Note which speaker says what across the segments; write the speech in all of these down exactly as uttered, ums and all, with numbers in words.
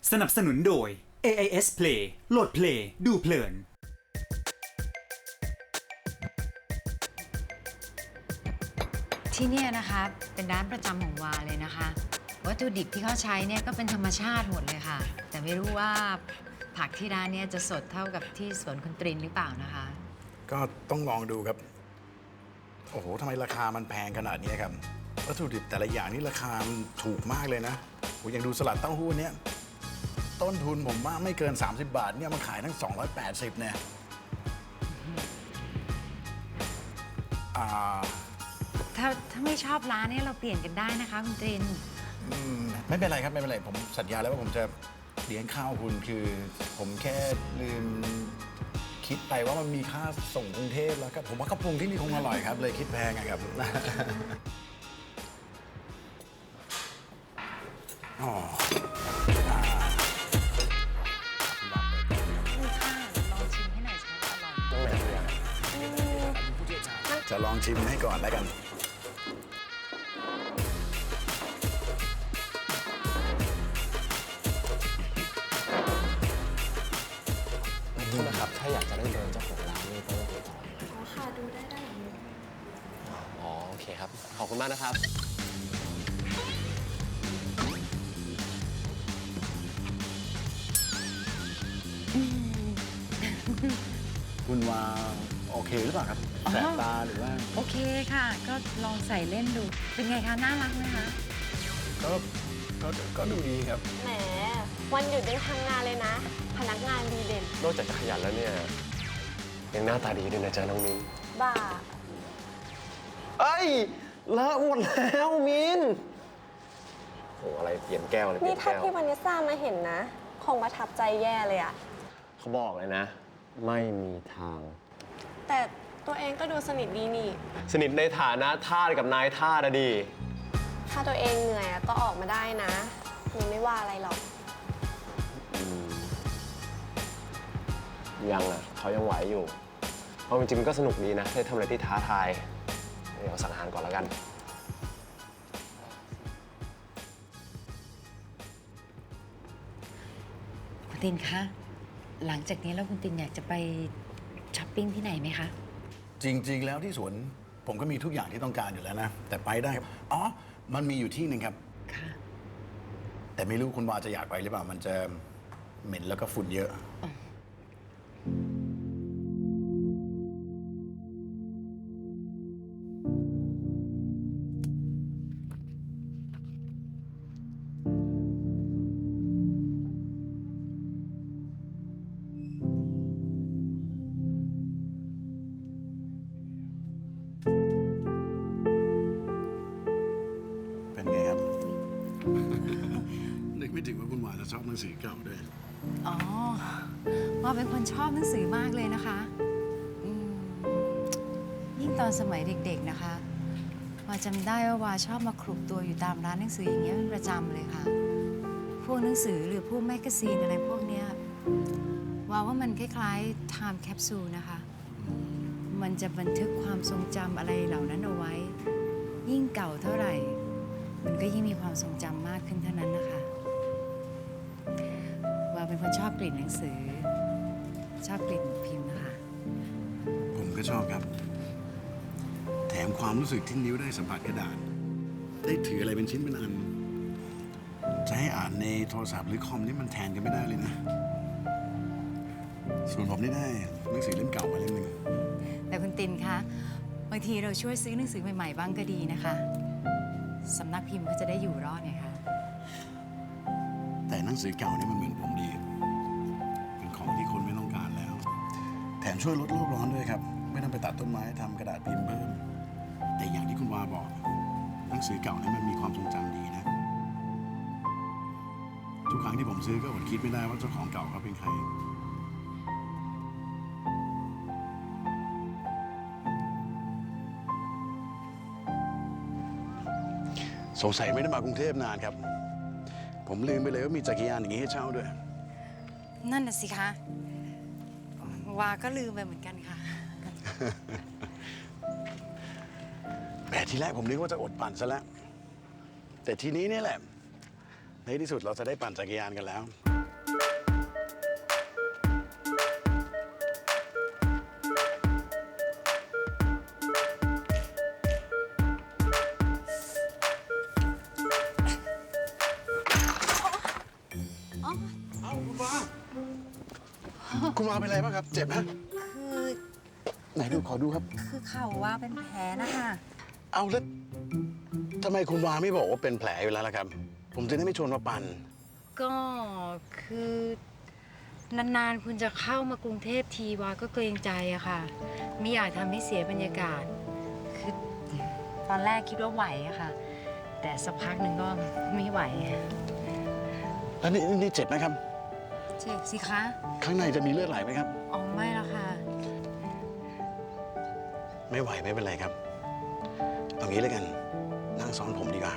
Speaker 1: สนับสนุนโดย เอ ไอ เอส Play โหลดเพลงดูเพลิน
Speaker 2: ที่นี่นะคะเป็นร้านประจำของวาเลยนะคะวัตถุดิบที่เขาใช้เนี่ยก็เป็นธรรมชาติหมดเลยค่ะแต่ไม่รู้ว่าผักที่ร้านเนี่ยจะสดเท่ากับที่สวนคุณตรินหรือเปล่านะคะ
Speaker 3: ก็ต้องลองดูครับโอ้โหทำไมราคามันแพงขนาดนี้ครับวัตถุดิบแต่ละอย่างนี่ราคาถูกมากเลยนะผมยังดูสลัดเต้าหู้เนี้ยต้นทุนผมว่าไม่เกินสามสิบบาทเนี่ยมันขายทั้งสองร้อยแปดสิบเนี่ยอ่า
Speaker 2: ถ้าถ้าไม่ชอบร้านเนี่ยเราเปลี่ยนกันได้นะคะคุณตริน
Speaker 3: ไม่เป็นไรครับไม่เป็นไรผมสัญญาแล้วว่าผมจะเลี้ยงข้าวคุณคือผมแค่ลืมคิดไปว่ามันมีค่าส่งกรุงเทพแล้วก็ผมว่าข้าวปรุงที่นี่คงอร่อยครับเลยคิดแพงอะครับอ๋อจะลองชิมให้ก่อนแล้วกัน
Speaker 4: โทษนะครับถ้าอยากจะได้เบอร์เจ้าของร้านนี่ต้องติดต่ออ๋อค่ะดูได้ได้หรืออ๋อโอเคครับขอบคุณมากนะครับ
Speaker 3: คุณว่าโอเคหรือเปล่าครับแสบตาหรือว่า
Speaker 2: โอเคค่ะก็ลองใส่เล่นดูเป็นไงคะน่ารักไหมคะ
Speaker 3: ก็ก็ก็ดูดีครับ
Speaker 5: แหมวันหยุดยังทำงานเลยนะพนักงานดีเด่น
Speaker 4: นอกจากจะขยันแล้วเนี่ยยังหน้าตาดีด้วยนะจ๊ะน้องมิ้น
Speaker 5: บ้า
Speaker 4: เอ้ยเลอะหมดแล้วมิ้นโหอะไรเปลี่ยนแก้วเลยเปลี่
Speaker 5: นี่
Speaker 4: ยน
Speaker 5: ถ้า
Speaker 4: แก้ว
Speaker 5: พี่วานิสซ่ามาเห็นนะคงประทับใจแย่เลยอะ
Speaker 4: เขาบอกเลยนะไม่มีทาง
Speaker 5: แต่ตัวเองก็ดูสนิทดีนี่
Speaker 4: สนิทในฐานะทาสกับนายทาสอะดี
Speaker 5: ถ้าตัวเองเหนื่อยก็ออกมาได้นะมีไม่ว่าอะไรหรอก
Speaker 4: ยังอ่ะเขายังไหวอยู่เพราะจริงๆก็สนุกดีนะได้ทำอะไรที่ท้าทายเดี๋ยวสั่งอาหารก่อนแล้วกัน
Speaker 2: คุณตินคะหลังจากนี้แล้วคุณตินอยากจะไปช้อปปิ้งที่ไหนไหมคะ
Speaker 3: จริงๆแล้วที่สวนผมก็มีทุกอย่างที่ต้องการอยู่แล้วนะแต่ไปได้ครับอ๋อมันมีอยู่ที่หนึ่งครับ
Speaker 2: ค่ะ
Speaker 3: แต่ไม่รู้คุณวาจะอยากไปหรือเปล่ามันจะเหม็นแล้วก็ฝุ่นเยอะนึกไม่ถึงว่าคุณวาจะชอบหนังสือเก่าด้วย
Speaker 2: อ๋อว่าเป็นคนชอบหนังสือมากเลยนะคะยิ่งตอนสมัยเด็กๆนะคะว่าจำได้ว่าวาชอบมาคลุกตัวอยู่ตามร้านหนังสืออย่างเงี้ยเป็นประจำเลยค่ะพวกหนังสือหรือพวกแมกกาซีนอะไรพวกเนี้ยว่าว่ามันคล้ายๆ time capsule นะคะมันจะบันทึกความทรงจำอะไรเหล่านั้นเอาไว้ยิ่งเก่าเท่าไหร่มันก็ยิ่งมีความทรงจำมากขึ้นเท่านั้นนะคะว่าเป็นคนชอบกลิ่นหนังสือชอบกลิ่นพิมพ์นะคะ
Speaker 3: ผมก็ชอบครับแถมความรู้สึกที่นิ้วได้สัมผัสกระดาษได้ถืออะไรเป็นชิ้นเป็นอันจะให้อ่านในโทรศัพท์หรือคอมนี่มันแทนกันไม่ได้เลยนะส่วนผมนี่ได้หนังสือเล่มเก่ามาเล่มหนึ่ง
Speaker 2: แต่คุณตินคะบางทีเราช่วยซื้อหนังสือใหม่ๆบ้างก็ดีนะคะสำนักพิมพ์ก็จะได้อยู่รอดไงคะ
Speaker 3: แต่หนังสือเก่านี่มันเหมือนผมดีเป็นของที่คนไม่ต้องการแล้วแถมช่วยลดโลกร้อนด้วยครับไม่ต้องไปตัดต้นไม้ทำกระดาษพิมพ์เพิ่มแต่อย่างที่คุณวาบอกหนังสือเก่านี่มันมีความทรงจำดีนะทุกครั้งที่ผมซื้อก็อดคิดไม่ได้ว่าเจ้าของเก่าเขาเป็นใครสงสัยไม่ได้มากรุงเทพนานครับผมลืมไปเลยว่ามีจักรยานอย่างนี้ให้เช่าด้วย
Speaker 2: นั่นน่ะสิคะวาก็ลืมไปเหมือนกันค่ะ
Speaker 3: แต่ทีแรกผมนึกว่าจะอดปั่นซะแล้วแต่ทีนี้นี่แหละในที่สุดเราจะได้ปั่นจักรยานกันแล้วคุณวาเป็นอะไรบ้างครับ เจ็บไหม
Speaker 2: คือ
Speaker 3: ไหนดูขอดูครับ
Speaker 2: คือเข่าว่าเป็นแผลนะคะ
Speaker 3: เอาแล้วทำไมคุณวาไม่บอกว่าเป็นแผลอยู่แล้วล่ะครับ ผมจะได้ไม่ชวนมาปั่น
Speaker 2: ก็คือนานๆคุณจะเข้ามากรุงเทพทีวาก็เกรงใจอะค่ะ ไม่อยากทำให้เสียบรรยากาศ คือตอนแรกคิดว่าไหวอะค่ะ แต่สักพักหนึ่งก็ไม่ไหว
Speaker 3: แล้วนี่นี่เจ็บไหมครับ
Speaker 2: เจ็บสิคะ
Speaker 3: ข้างในจะมีเลือดไหลไหมครับ
Speaker 2: อ๋อไม่แล้วค่ะ
Speaker 3: ไม่ไหวไม่เป็นไรครับเอางี้แล้วกัน นั่งซ้อนผมดีกว่า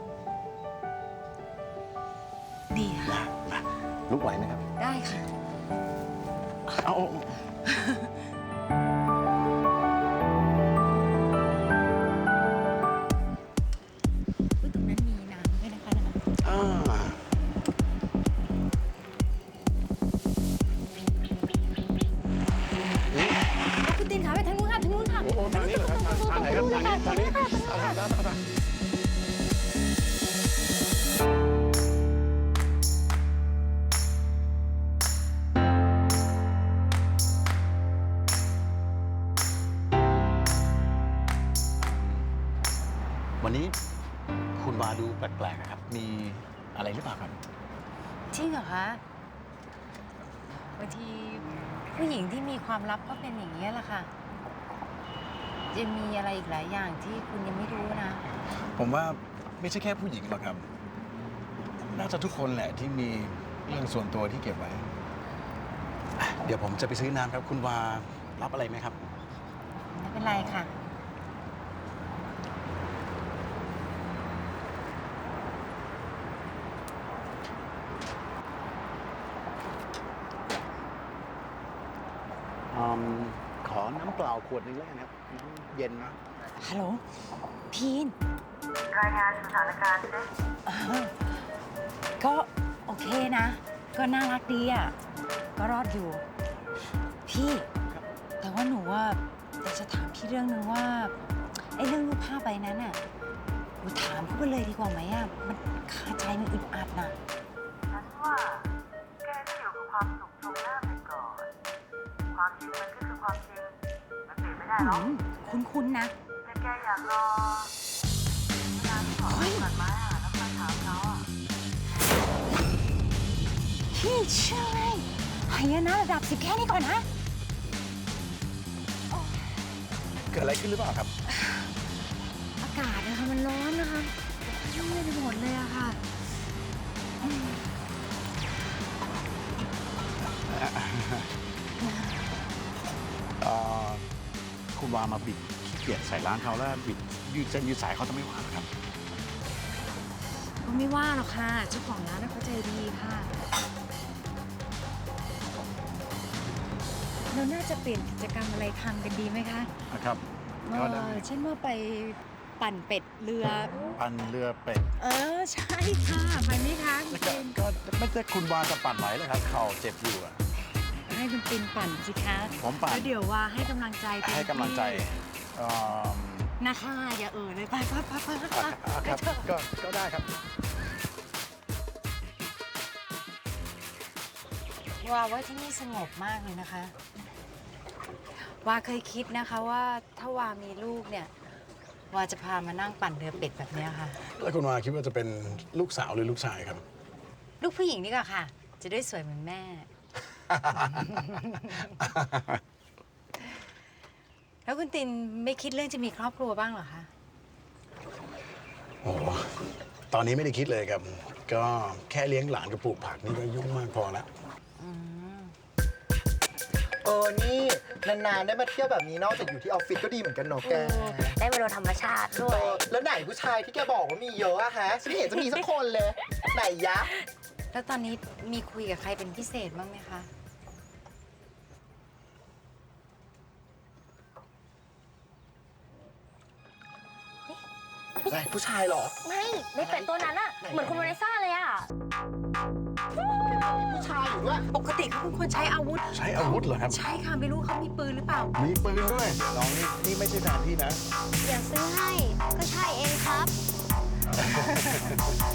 Speaker 2: ดีค่ะ
Speaker 3: มามาลุกไหวไหมครับ
Speaker 2: ได้ค่ะ
Speaker 3: เอาเอาเอา
Speaker 2: อุ๊ยตรงนั้นมีน้ำด้วยนะคะนะ
Speaker 3: อ่า
Speaker 2: คุณตินขาไปทางนู้นค่ะทางนู้นค่ะ
Speaker 3: โอ้โหทางนี้เหรอครับทางไหนครับทางนี้ทางนี้เอาทางนั้นเอาทางวันนี้คุณวาดูแปลกๆนะครับ มีอะไรหรือเปล่าครับ
Speaker 2: จริงเหรอคะบางทีผู้หญิงที่มีความลับก็เป็นอย่างนี้ยแหละค่ะยังมีอะไรอีกหลายอย่างที่คุณยังไม่รู้นะ
Speaker 3: ผมว่าไม่ใช่แค่ผู้หญิงหรอกครับ น่าจะทุกคนแหละที่มีเรื่องส่วนตัวที่เก็บไว้อ่ะเดี๋ยวผมจะไปซื้อน้ำครับ คุณวารับอะไรไหมครับ
Speaker 2: ไม่เป็นไรค่ะ
Speaker 3: อืมขอน้ำเปล่าขวดหนึงแล้วกันครับน้ำเย็นนะ
Speaker 2: ฮัลโหล พีน
Speaker 6: รายงานสถานการณ์สิ
Speaker 2: เออก็โอเคนะ ก็น่ารักดีอ่ะ ก็รอดอยู่ พี่ แต่ว่าหนูว่าอยากจะถามพี่เรื่องนึงว่า ไอ้เรื่องรูปภาพใบนั้นอ่ะหนูถามเขาไปเลยดีกว่าไหมอ่ะ มันคาใจมันอึดอัดน่ะ
Speaker 6: ฉันว่าแกก็อยู่กับความสุขตรงหน้าไปก่อน ความจริงมันก็คือความจริง มันเปลี่ยนไม่ได้หรอก
Speaker 2: คุ้นๆนนะ
Speaker 6: แต่แกอยากรอเวลาที่เขาให้ตัดไม้อ่ะแล้วค่อยถามเขาอ่ะ
Speaker 2: พี่เชื่อไหมหายนะระดับสิบแค่นี้ก่อนนะ
Speaker 3: เกิดอะไรขึ้นหรือเปล่าครับ
Speaker 2: อากาศนะคะมันร้อนนะคะยุ่งไปหมดเลยอะค่ะ
Speaker 3: เอ่อคุณวามาบิดขี้เกียจใส่ร้านเขาแล้วบิดยืดเส้นยืดสายเขาจะไม่ว่าหรอครับ
Speaker 2: ก็ไม่ว่าหรอกค่ะ เจ้าของร้านน่ะเขาใจดีค่ะ เราน่าจะเปลี่ยนกิจกรรมอะไรทำกันดีไหมคะ
Speaker 3: นะครับ
Speaker 2: เอ
Speaker 3: ก็ได้
Speaker 2: อเช่นว่าไปปั่นเป็ดเรือ
Speaker 3: ปั่นเรือเป็ด
Speaker 2: เออ ใช่ค่ะ ไปไหมคะคุณ
Speaker 3: ก็
Speaker 2: ติน
Speaker 3: ก็ไม่ใช่คุณวาจะปั่นไหวเลยครับ เข่าเจ็บอยู่อะ
Speaker 2: ให้คุณตินปั่นสิคะ
Speaker 3: ผมปั่น
Speaker 2: แล้วเดี๋ยวว่าให้กำลังใจเต็ม
Speaker 3: ให้กำลังใจ
Speaker 2: ที่
Speaker 3: เอิ่ม
Speaker 2: นะคะอย่าเอ่ยเลยไปไปไปไปไป
Speaker 3: อ่ะอ่ะครับก็ก็ได้ครับ
Speaker 2: ว่าว่าที่นี่สงบมากเลยนะคะ ว่าเคยคิดนะคะว่าถ้าวามีลูกเนี่ย ว่าจะพามานั่งปั่นเรือเป็ดแบบเนี้ยค่ะ
Speaker 3: แล้วคุณวาคิดว่าจะเป็นลูกสาวหรือลูกชายครับ
Speaker 2: ลูกผู้หญิงนี่ก็ค่ะ จะได้สวยเหมือนแม่ แล้วคุณตินไม่คิดเรื่องจะมีครอบครัวบ้างเหรอคะ
Speaker 3: โอ้โหตอนนี้ไม่ได้คิดเลยครับ ก็แค่เลี้ยงหลานกับปลูกผักนี่ก็ยุ่งมากพอแล้ว
Speaker 7: เออ นี่ นาน ๆ ได้มาเที่ยวแบบนี้นอกจากอยู่ที่ออฟฟิศก็ดีเหมือนกันเนาะแก
Speaker 5: ได้มาดูธรรมชาติด้ว
Speaker 7: เอย อ แล้วไหนผู้ชายที่แกบอกว่ามีเยอะอะฮะฉันไม่เห็นจะมีสักคนเลย ไหนยะ
Speaker 2: แล้วตอนนี้มีคุยกับใครเป็นพิเศษบ้างไหมคะ
Speaker 7: ไหนผู้ชายเหรอ
Speaker 5: ไม่ในเป็ดตัวนั้นอะเหมือนคุณโมเนซ่าเลยอะ
Speaker 7: ผู้ชายอยู่ด้วย
Speaker 2: ปกติเขาเป็นคนใช้อาวุธ
Speaker 3: ใช้อาวุธเหรอครับ
Speaker 2: ใช่ค่ะ ไม่รู้เขามีปืนหรือเปล่า
Speaker 3: มีปืนด้วย น้องนี่นี่ไม่ใช่แฟนพี่นะ
Speaker 5: อยากซื้อให้ก็ใช่เองครับ